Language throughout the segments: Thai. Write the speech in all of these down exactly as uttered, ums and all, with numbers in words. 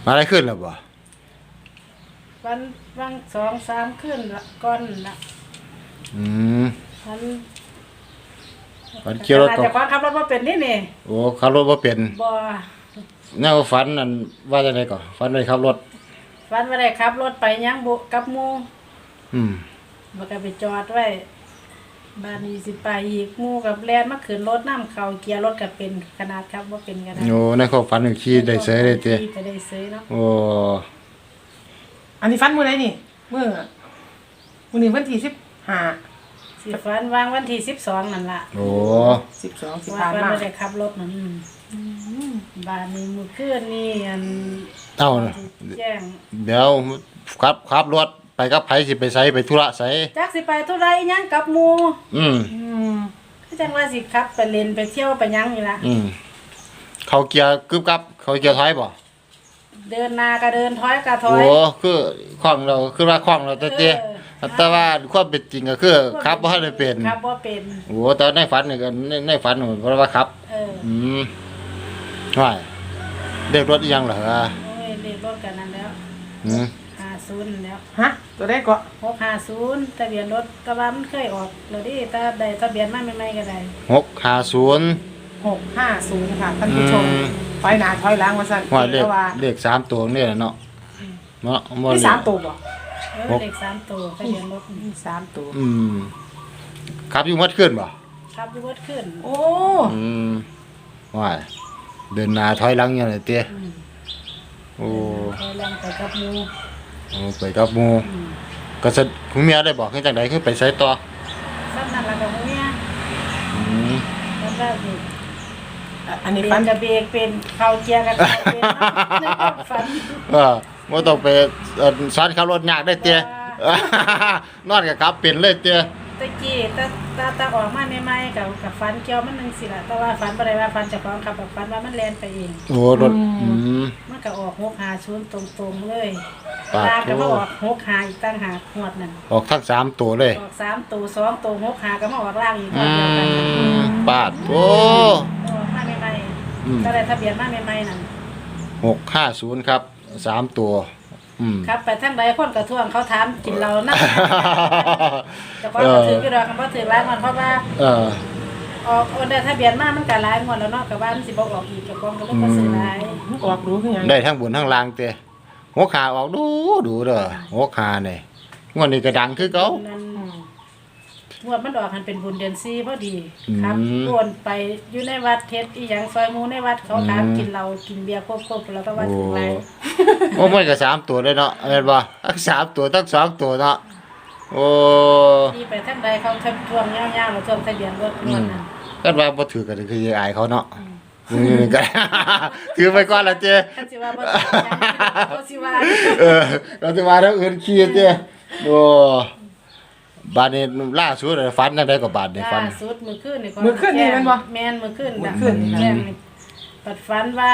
มาได้ขึ้นแล้วบ่วันวันสองสามขึ้นละก่อนละอืมวันฝันเกี่ยวรถตกแต่ความขับรถบ่เป็นนี่นี่โอ้ขับรถบ่เป็นบ่แนวฝันนั่นว่าจังได๋ก่อฝันได้ขับรถฝันว่าได้ขับรถไปยังบุกับหมู่อืมบ่ก็ไปจอดไว้บ้านนี้สิไปอีกหมู่กับแล่นมาขึ้นรถนำเข้าเกียร์รถก็เป็นขนาดครับบ่เป็นก็ได้โอ้ในความฝันนี่ขี่ได้เสยได้เต้ขี่ไปได้เสยเนาะโอ้อันนี้ฟันมื้อใดนี่มื้อมื้อนี้วันที่สิบห้าสิฝันวางวันที่สิบสองนั่นล่ะโอ้สิบสองสิว่าผ่านมาบ่ได้ขับรถนั่นบ้านนี้มื้อคืนนี้อันเอ้าแจ้งเดี๋ยวขับขับรถไปกับไผสิไปไสไปธุระไสจักสิไปธุระอีหยังกับหมู่อืมอืมคือจังว่าสิขับไปเล่นไปเที่ยวไปหยังนี่ล่ะอืมเขาเกียร์กึบกับเขาเกียร์ถอยบ่เดินหน้าก็เดินถอยก็ถอยโอ้คือคล่องเราคือว่าคล่องเราแต่เต้แต่ว่าความเป็นจริงก็คือขับบ่ได้เป็นขับบ่เป็นโอ้แต่ในฝันนี่ก็ในในฝันเพราะว่าขับเอออืมว่าเด็กรถอีหยังเหรอโอ้ยเลขรถกันนั่นแล้วอืมห้าสิบแล้วฮะตัวได้ก็หกห้าศูนย์ทะเบียนรถแต่ว่ามันเคยออกแล้วดิถ้าได้ทะเบียนมาใหม่ๆก็ได้หกห้าศูนย์หกห้าศูนย์ค่ะท่านผู้ชมถอยหน้าถอยหลังว่าซั่นว่าเลขเลขสามตัวนี่แหละเนาะเนาะบ่มีสามตัวบ่เออเลขสามตัวทะเบียนรถมีสามตัวอืมครับอยู่มัดขึ้นบ่ครับอยู่วัดขึ้นโอ้อืมว่าเดินหน้าถอยหลังอย่างไรเตี้ยโอ้ถอยหลังไปกับหมู่โอ้ไปกับหมู่ก็จะคุณเมียได้บอกให้จังได๋คือไปไสต่อซ้ำนั่นล่ะกับหมู่เนี่ยอืมแล้วก็นี่อันนี้ฟันกับเบรกเป็นเข้าเกียร์กับเข้าเป็นเนาะฝันเออบ่ต้องไปสอนขับรถยากได้เตี้ยนอนก็ขับเป็นเลยเตี้ยตะกี้ตาตาตาออกมาใหม่ๆกับกับฟันเกี่ยวมันนึงสิล่ะแต่ว่าฟันบ่ได้ว่าฟันเจ้าของขับแบบฟันว่ามันแล่นไปเองโอ้รถอืมมันก็ออกหกห้าศูนย์ตรงๆเลยตาก็มาออกหกห้าอีกต่างหากงวดนั่นออกทั้งสามตัวเลยออกสามตัวสองตัวหกห้าก็มาออกล่างอีกงวดเดียวกันปาดโอ้ออกมาใหม่ๆก็ได้ทะเบียนมาใหม่ๆนั่นหกห้าศูนย์ครับสามตัวครับไปทางใดคนกระท่วงเขาถามกินเรานะแต่ก็ถืออยู่ดอกคำว่าถือหลายงวดเพราะว่าเออออกโอนได้ทะเบียนมามันก็หลายงวดแล้วเนาะก็ว่ามันสิบ่ออกอีกก็กองก็เลยบ่ซื้อหลายออกรู้คือหยังได้ทั้งบนทั้งล่างเตะหัวขาออกดูดูเด้อหัวขานี่งวดนี้ก็ดังคือเก่างวดมันออกหันเป็นบุญเดือนสี่พอดีครับโอนไปอยู่ในวัดเทศอีหยังซอยหมู่ในวัดเขาถามกินเหล้ากินเบียร์ครบๆแล้วก็ว่าถึงหลายโอ้มันก็สามตัวเลยเนาะแม่นบ่ทั้งสามตัวทั้งสองตัวเนาะโอ้ที่ไปทางใดเขาทำท่วงยาวๆแล้วท่วงทะเบียนรถนวลนั่นก็ว่าบ่ถือก็คืออายเขาเนาะอือก็ถือไปก่อนล่ะเจ้คันสิว่าบ่ถือก็สิว่าเออก็สิว่าแล้วอื่นขี้เจ้โอ้บาดนี้ล่าสุดฝันจังได๋ก็บาดนี้ฝันล่าสุดมื้อคืนนี่ก็มื้อคืนนี่แม่นบ่แม่นมื้อคืนมื้อคืนแจ้งปัดฝันว่า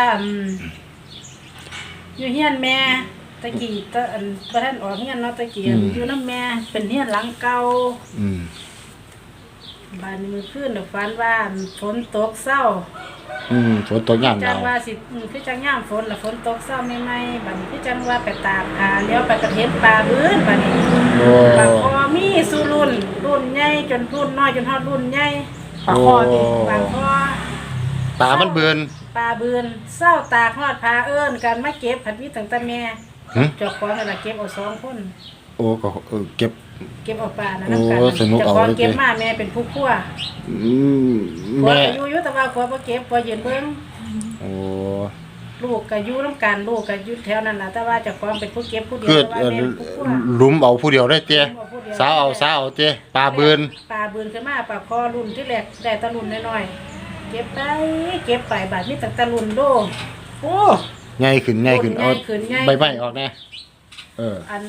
อยู่เฮียนแม่ตะกี้ตะอันบ่ทันออกเฮียนเนาะตะกี้อยู่นำแม่เป็นเฮียนหลังเก่าอืมบาดนี้มื้อคืนน่ะฝันว่าฝนตกเช้าอืมฝนตกยามหนาวจังว่าสิคือจังยามฝนล่ะฝนตกเช้าใหม่ๆบัดนี้คือจังว่าไปตากผ้าเลี้ยวไปกระเห็นปลาบื้นบัดนี้โอ้ปลาคอมีสู่รุ่นรุ่นใหญ่จนรุ่นน้อยจนฮอดรุ่นใหญ่ปลาคอนี่ปลาคอปลามันเบือนปลาเบือนเช้าตากฮอดผ้าเอิ้นกันมาเก็บผัดมีตั้งแต่แม่เจ้าของนั่นล่ะเก็บเอาสองคนโอ้ก็เก็บเก็บเอาปลานั่นนำกันเจ้าของเก็บมาแม่เป็นผู้คั่วอืมแม่อยู่อยู่แต่ว่าคั่วบ่เก็บบ่ยืนเบิ่งโอ้ลูกก็อยู่นำกันลูกก็อยู่แถวนั้นล่ะแต่ว่าเจ้าของเป็นผู้เก็บผู้เดียวแต่ว่าแม่ผู้คั่วหลุมเอาผู้เดียวได้เตี้ยสาวเอาสาวเอาเตี้ยปลาเบือนปลาเบือนขึ้นมาปลาคอรุ่นที่แรกได้ตะรุ่นน้อยๆเก็บไปเก็บไปบาดมีตั้งตะรุ่นโดโอ้ใหญ่ขึ้นใหญ่ขึ้นเอาใบไม้ออกแน่เอออัน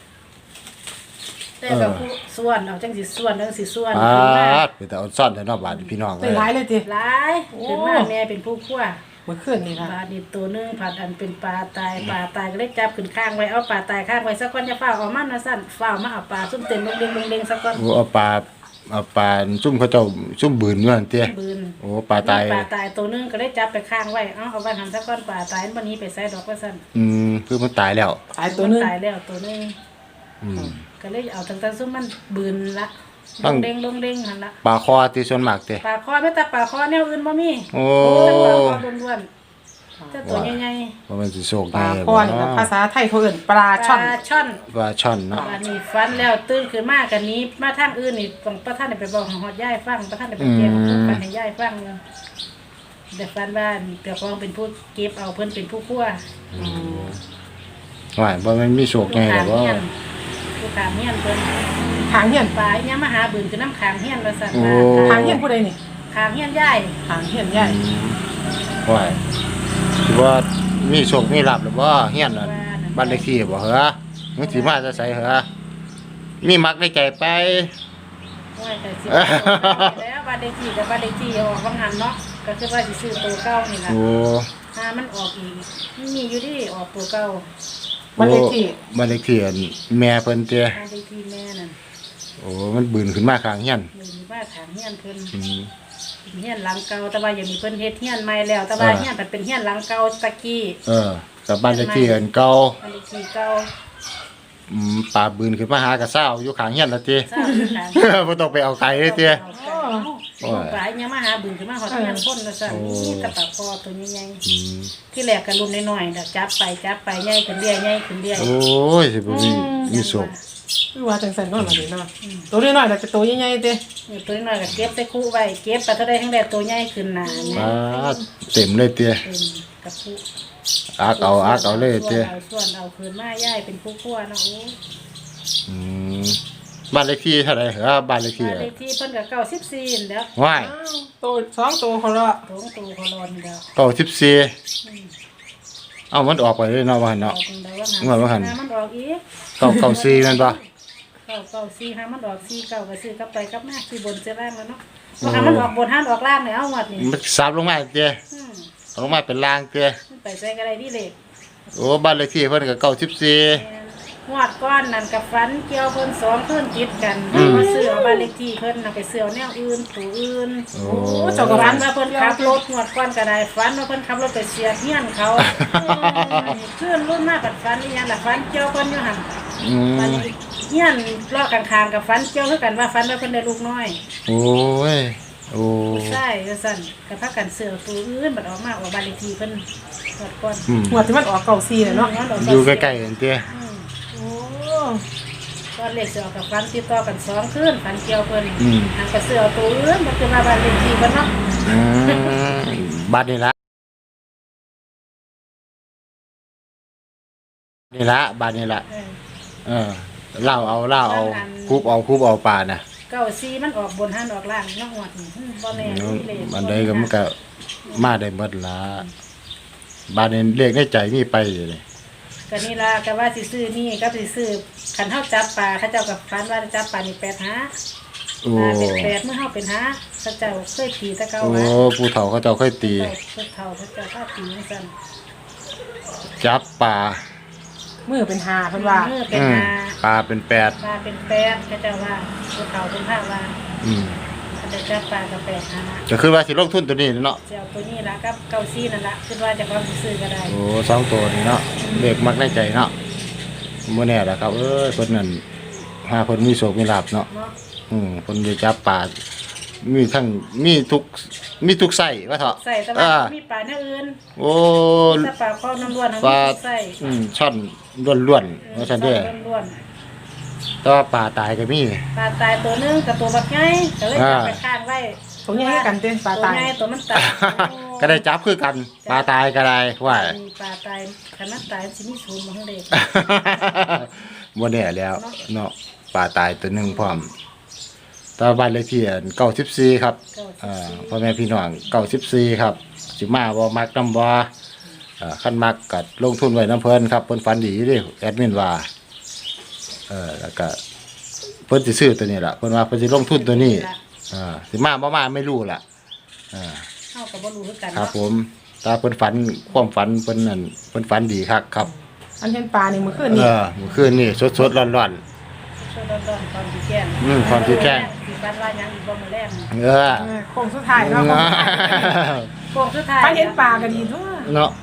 แต่ก็ผู้ส่วนเอาจังสิส่วนจังสิส่วนขึ้นมาเป็นแต่เอาซ่อนแต่นอกบาดพี่น้องเลยหลายเลยติหลายขึ้นมาแม่เป็นผู้คั่วเมื่อคืนนี่ค่ะปลาดิบตัวนึงผัดอันเป็นปลาตายปลาตายก็เลยจับขึ้นข้างไว้เอาปลาตายข้างไว้สักก้อนจะฝ้าออกมานะสั่นฝ้ามาเอาปลาซุ่มเต็มเด้งๆเด้งๆสักก้อนโอ้เอาปลาเอาปลาซุ่มเขาเจ้าซุ่มบืนอยู่นั่นเตี้ยบืนโอ้ปลาตายปลาตายตัวนึงก็เลยจับไปข้างไว้เอาเอาไว้ทำสักก้อนปลาตายวันนี้ไปใส่ดอกว่าสั่นอืมคือมันตายแล้วตายตัวหนึงตายแล้วตัวหนึงอืมก็เลยเอาตั้งแต่ซุมมันบืนละต้ลองงเด้งลงเด้งหั่นละปลาคอที่ส่วนมากเด้ปลาคอไม่แต่ปลาคอแนวอื่นบ่มีโอ้แต่ปลาคอล้วนๆแต่ตัวใหญ่บ่แม่นสิโชคปลาดีคอนี่นะภาษาไทยเขาเอิ้นปลาๆช่อนปลาช่อนปลาช่อนเนาะอันนี้ฟันแล้วตื่นขึ้นมากันนี้มาทางอื่นนี่ต้องประท่านได้ไปบอกของฮอดยายฟังประท่านได้ไปเก็บของฟันให้ยายฟังอยู่แต่ฟันว่าเจ้าของเป็นผู้เก็บเอาเพิ่นเป็นผู้คั่วว่าบ่แม่นมีโชคผู้ไงขาดอกเฮียว่านผู้ขาเฮียนเพิ่นทางเฮียนปลาอีหยังมาหาบืนคือน้ำขางเฮียนว่าซั่นโอ้ว่าทางเฮียนผู้ใดนี่ขางเฮียนยายทางเฮียนใหญ่ว่าสิว่ามีโชคมีลาภหรือบ่เฮียนน่ะบ้านเลขที่บ่เหรอมันสิมาจะไสเหรอมีมักในใจไปว่าแต่สิแล้วบ้านเลขที่กับบ้านเลขที่ออกบางหันเนาะก็คือว่าสิซื้อตัวเก่านี่ล่ะโอ้ถ้ามันออกอีกมันมีอยู่ที่ออกตัวเก่าบ้านเลขที่บ้านเลขที่อันแม่เพิ่นเตี้ยบ้านเลขที่แม่นั่นโอ้มันบืนขึ้นมาข้างเฮียนหนึ่งว่าขางเฮียนเพิ่นอืมเฮียนหลังเก่าแต่ว่าอย่างนี้เพิ่นเฮ็ดเฮียนใหม่แล้ว แต่ว่าอ่าเฮียนมันเป็นเฮียนหลังเก่าตะกี้เออกับบ้านเลขที่อันเก่าบ้านเลขที่เก่าอืมปลาบืนขึ้นมาหากระเซ้าอยู่ข้างเฮียนละติทราบคือขางบ่ต้องไปเอาไกลเลยเตี้ยโอ้ปลายยังมาหาบึงขึ้นมาหอดเฮียนพ่นว่าซั่นโอ้นี่ตะปะคอตัวใหญ่อืมๆที่แรกก็รุ่นน้อยๆน่ะจับไปจับไปใหญ่ขึ้นเรื่อยใหญ่ขึ้นเรื่อยโอ้ยสิบ่มีมีโชคคือว่าจังซั่นเนาะล่ะนี่เนาะตัวน้อยๆแต่จะตัวใหญ่ๆเด้นี่ตัวน้อยๆก็เก็บใส่คู่ไว้เก็บไปเท่าใดทั้งใดตัวใหญ่ขึ้นหน้าเนี่ยปลาเต็มเลยเตี้ยเป็นกระปุกอักเอาอักเอาเลยเตี้ยเอาส่วนเอาคืนมาย่ายเป็นผู้คั่วเนาะโอ้อืมบ้านเลขที่เท่าไหร่เหรอบ้านเลขที่บ้านเลขที่เพิ่นก็เก้าสิบสี่นี่แหล้วว้ายอ้าวตัวสองตัวเขาละตรงตัวคอรอนนี่แหล้วเก้าสิบสี่เอ้ามันออกไปเลยเนาะว่าหั่นออเนาะกตรงใดว่าเมื่อว่าหั่นหามันออกอีกเก้าเก้าสี่แม่นบ่เก้าเก้าสี่หามันออกสี่เก้าก็ซื้อกลับไปกลับมาซื้อบนซื้อล่างแล้วเนาะว่าหามันออกบนห้าออกล่างเนี่ยเอาหมดนี่มันซับลงมาเตี้ยอืมลงมาเป็นล่างเตี้ยมันไปใส่กระไรที่เหล็กโอ้บ้านเลขที่เพิ่นก็เก้าสิบสี่หวดก้อนนั่นกับฟันเกี่ยวเพิ่นสองเพิ่นติดกันอืมมาซื้อเอาบ้านเลขที่เพิ่นน่ะไปซื้อเอาแนวอื่นตัวอื่นโอ้โอ้เจ้าก็ฝัฟันนว่าเพิ่นขับรถหวดก้อนก็ได้ฝันว่าเพิ่นขับรถไปเสียเฮียนเขาขึ้นรุ่นมาปัดฝันอีหยังล่ะฝันเกี่ยวเพิ่นอยู่หั่นอืฝันมเฮียนรอข้างๆกับฝันเกี่ยวคือกันว่าฝันว่าเพิ่นได้ลูกน้อยโอ้ยโอ้ใช่ว่าซั่นก็พากันซื้อเอาตัวอื่นบัดออกมาออกบ้านเลขที่เพิ่นหวดก้อนอืมหัวที่มันออกเก่าซีเลยเนาะอยู่ใกล้ๆกันเตี้ยๆอืมโอ้ก้อนเลขสิออกกับฝันติดต่อกันสองคืนฝันเกี่ยวเพิ่นอืมนางก็ซื้อเอาตัวอื่นมันคือว่าบ้านเลขที่เพิ่นเนาะอืมบัดนี่ละนี่ละบัดนี่ละเออเออเล่าเอาเล่าเอาคุบเอาคุบเอาปลาน่ะเก้าซีมันออกบนหันออกล่างนอกหวดนี่อืมบ่แน่เลขมันได้ก็มันก็มาได้หมดละบัดนี้เลขในใจมีไปอยู่เลยก็นี่ล่ะก็ว่าสิซื้อนี่ก็สิซื้อคันเฮาจับปลาเขาเจ้ากับฟันว่าจับปลานี่แปดหาโอ้ปลาเป็นแปดเมื่อเฮาเป็นหาเขาเจ้าเคยตีแตะเก่าโอ้หาผู้เฒ่าเขาเจ้าค่อยตีเจ้าเพิ่นเฒ่าเขาเจ้าถ้าตีจังซั่นจับปลามือเป็นหาเพิ่นว่าเมื่อเป็นอืมหาปลาเป็นแปดปลาเป็นแปดเขาเจ้าว่าผู้เฒ่าเป็นภาคว่าอืมเขาจะจับปลากับแปดหาก็คือว่าสิลงทุนตัวนี้เนาะสิเอาตัวนี้ล่ะกับเก้าซีนั่นล่ะคิดว่าจะความสิซื้อก็ได้โอ้สองตัวนี่เนาะเลขมักในใจเนาะบ่แน่ล่ะครับ เอ้ยเพิ่นนั่นหาเพิ่นมีโชคมีลาภเนาะเนาะอืมเพิ่นได้จับปลามีทั้งมีทุกมีทุกไส้ว่าเถาะใส่แต่อ่าว่ามีปลาแนวอื่นโอ้ถ้าปลาข้อน้ำล้วนเขาปลาไม่ใส่อืมช่อนล้วนๆว่าซั่นเด้อล้วนแต่ว่าปลาตายก็มีๆปลาตายตัวหนึงกับตัวบักไงก็เลยอ่าจับไปข้างไว้ตัวใหญ่กันเต้นปลาตัวตายไงตัวมันตายก็ได้จับคือกัน ปลาตายก็ได้ว่ามีปลาตายขนาดตายสิมีศูนย์มาข้างเด็กบ่แน่แล้วเนาะปลาตายตัวหนึงพร้อมแตว่าบ้านเลขที่เก้าสิบสี่ครับอ่าพ่อแม่พี่น้องเก้าสิบสี่ครับสิมาบ่มักนำบ่อ่าคันมักก็ลงทุนไว้น้ำเพิ่นครับเพิ่นฝันดีอยู่เด้แอดมินว่าเออแล้วก็เพิ่นสิซื้อตัวนี้ล่ะเพิ่นว่าเพิ่นสิลงทุนตัวนี้อ่าสิมาบ่มาไม่รู้ล่ะอ่าเข้ากับบ่รู้คือกันครับเนาะผมตาเพิ่นฝันความฝันเพิ่นนั่นเพิ่นฝันดีคักครับอันเห็นปลานี่มื้อคืนเอนี่อเมื่อคืนนี่สดๆร้อนช่วยร้อนๆความที่แก่งอืมความที่แจ้งสิฟันว่าหยังอีกบ่มื้อแรงๆเออเออโค้งสุดท้ายเนาะโป่งสุดท้ายถ้าเห็นปลาก็ดีทั่วเนาะ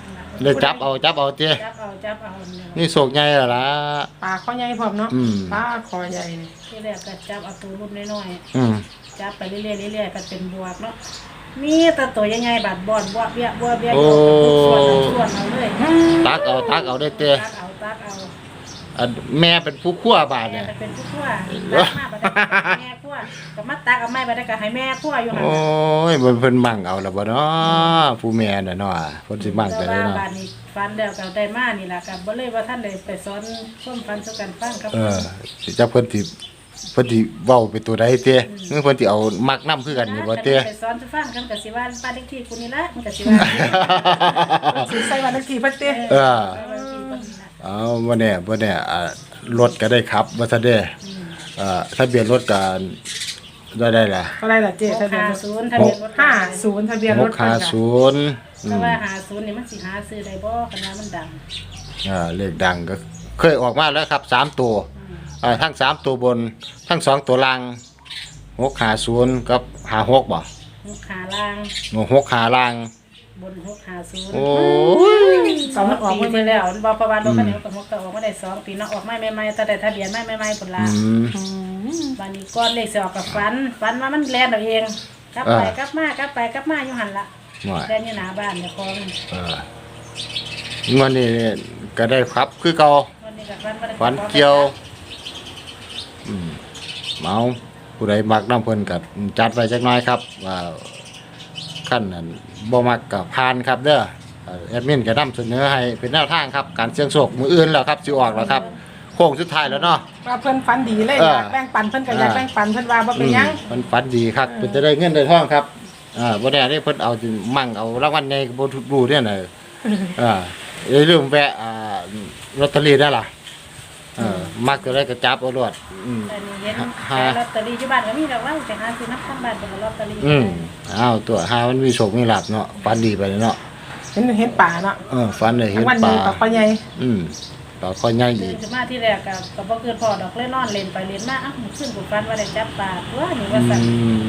เลยจับเอาจับเอาเจ้จับเอาจับเอาเนี่ยนี่โศกใหญ่แล้วล่ะปลาคอใหญ่พร้อมเนาะอืมปลาคอใหญ่นี่ที่แรกก็จับเอาตัวรุ่นน้อยอืมๆจับไปเรื่อยๆเรื่อยๆก็เป็นบวกเนาะมีแต่ตัวใหญ่ๆบาดบอนบัวเบี้ยบัวเบี้ยโอ้ส่วนเอาส่วนเอาเลยตักเอาตักเอาได้เจ้ตักเอาตักเอาอันแม่เป็นผู้คั่วบาดแม่เนี่ยก็เป็นผู้คั่วตักมาบัดได้แม่คั่วก็มาตักเอาไม้บัดได้ก็ให้แม่คั่วอยู่หั่นโอ้ยมันเพิ่นมั่งเอาแล้วบ่เนาะผู้แม่น่ะเนาะเพิ่นสิมั่งแต่แต่ว่าเนาะบาดนี้ฟันแล้วก็ได้มานี่ล่ะก็บ่เลยว่าท่านได้ไปสอนส้มฟันสู่กันฟังครับเออสิจักเพิ่นสิเพิ่นสิเว้าเป็นตัวใดเต้เมื่อเพิ่นสิเอามักนํคือกันนี่บ่เต้ไปสอนสู่ฟังกันก็สิว่าบ้านเลขที่กูนี่ละมันก็สิว่าสิใส่วันเลขที่เพิ่นติเออบ้านเลขที่กูนี่ล่ะเอาบ่แน่บ่แน่อ่ารถก็ได้ขับว่าซะเด้เอ่อทะเบียนรถก็ได้ได้ล่ะเท่าไหร่ล่ะเจ๊ทะเบียนรถหกห้าศูนย์ทะเบียนรถห้าศูนย์ทะเบียนรถเพิ่นจ้ะหกห้าศูนย์อืแต่มว่าหาศูนย์นี่มันสิหาซื้อได้บ่คันว่ามันดังอ่าเลขดังก็เคยออกมาแล้วครับสามตัวอ่าทั้งสามตัวบนทั้งสองตัวล่างหกห้าศูนย์กับห้าหกบ่หกขาล่างหกขาล่างบนหกห้าศูนย์โอ้ยสองมันออกปีมาที่แล้วบ่ประวัติรถคันนี้ก็ก็ออกมาได้สองปีเนาะออกมาใหม่ๆแต่ได้ทะเบียนใหม่ๆพุ่นล่ะอืมอืมบัดนี้ก้อนเลขสิออกกับฝันฝันว่ามันแล่นเอาเองกลับไปอ่ากลับมากลับไปกลับมาอยู่หั่นล่ะว่าแล่นอยู่หน้าบ้านเจ้าของเออวันนี้ก็ได้ครับคือเก่าวันนี้ก็ฝันว่าได้ฝันเกี่ยว อืมเมาผู้ใดมักน้ำเพิ่นก็จัดไว้จักหน่อยครับ ว่าขั้นนั้นบ่มักก็ผ่านครับเด้อเอ่อแอดมินก็นำเสนอให้เป็นแนวทางครับ การเสี่ยงโชคมื้ออื่นแล้วครับสิออกแล้วครับโค้งสุดท้ายแล้วเนาะว่าเพิ่นฝันดีเลยเอออยากแบ่งปันเพิ่นก็อยากอ่าแบ่งปันเพิ่นว่าบ่เป็นหยังอืมมันฝันดีครับเพิ่นจะได้เงินได้ทองครับอ่าบ่ได้ได้เพิ่นเอาสิมั่งเอารางวัลใหญ่ก็บ่รู้เนี่ยน่ะอ่าอย่าลืมแวะอ่าลอตเตอรี่ได้ล่ะเออมักจะได้ก็จับเอารวดอืมแต่นี่เห็นฮะขายลอตเตอรี่อยู่บ้านก็มีดอกว่าไปหาซื้อนักทางบ้านเป็นลอตเตอรี่อืมอ้าวตัวหามันมีโชคมีลาภเนาะฝันดีไปเลยเนาะเห็นเห็นป่าเนาะเออฝันได้เห็นวันปนี้ลาปลาคอใหญ่อืมปลาคอยใหญ่ตื่อีนกขึ้นมาที่แรกก็ก็บ่เกินพอดอกเล่นนอนเล่นไปเล่นมาอ้าวขึ้นกูฝันว่าได้จับปลาตัวนี่ว่าอืสั่นม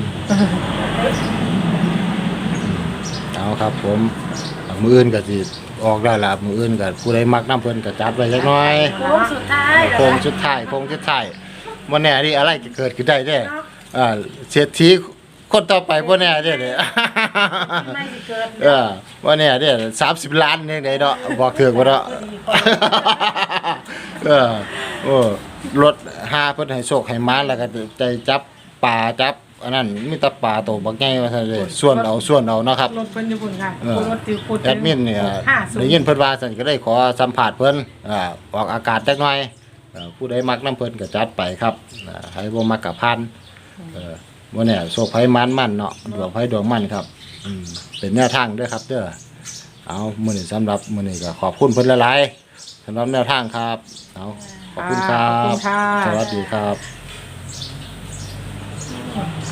เอาครับผมมื้ออื่นก็สิออกได้ล่ะมื้ออื่นก็ผู้ใดมักน้ำเพิ่นก็จัดไว้จักหน่อยโค้งสุดท้ายโค้งสุดท้ายโค้งสุดท้ายบ่แน่ดิอะไรจะเกิดขึ้นได้เด้อ่าเศรษฐีคนต่อไปบ่แน่เด้เด้ไม่สิเกิดเออบ่แน่เด้สามสิบล้านนี่ได้เนาะบอกถูกบ่เนาะ เออโอ้รถหาเพิ่นให้โชคให้มาแล้วก็ใจจับปลาจับอันนั้นมีแต่ปลาโตบักใหญ่ว่าซั่นเลยส่วนเอาส่วนเอาเนาะครับรถเพิ่นอยู่พุ่นค่ะเออรถติวพูดแอดมินเนี่ยห้าศูนได้ย์ยินเพิ่นว่าซั่นก็ได้ขอสัมภาษณ์เพิ่นอ่าออกอากาศจักหน่อยเอ่อผู้ใดมักน้ำเพิ่นก็จัดไปครับอ่าใครบ่มักก็ผ่านเออบ่แน่โชคไผมันมันเนาะดวงไผดวงมันครับอืมเป็นแนวทางเด้อครับเด้อเอามื้อนี้สำหรับมื้อนี้ก็ขอบคุณเพิ่นหลายๆสำหรับแนวทางครับเอาขอบคุณครัขอบคุณบค่ะสวัสดีครับ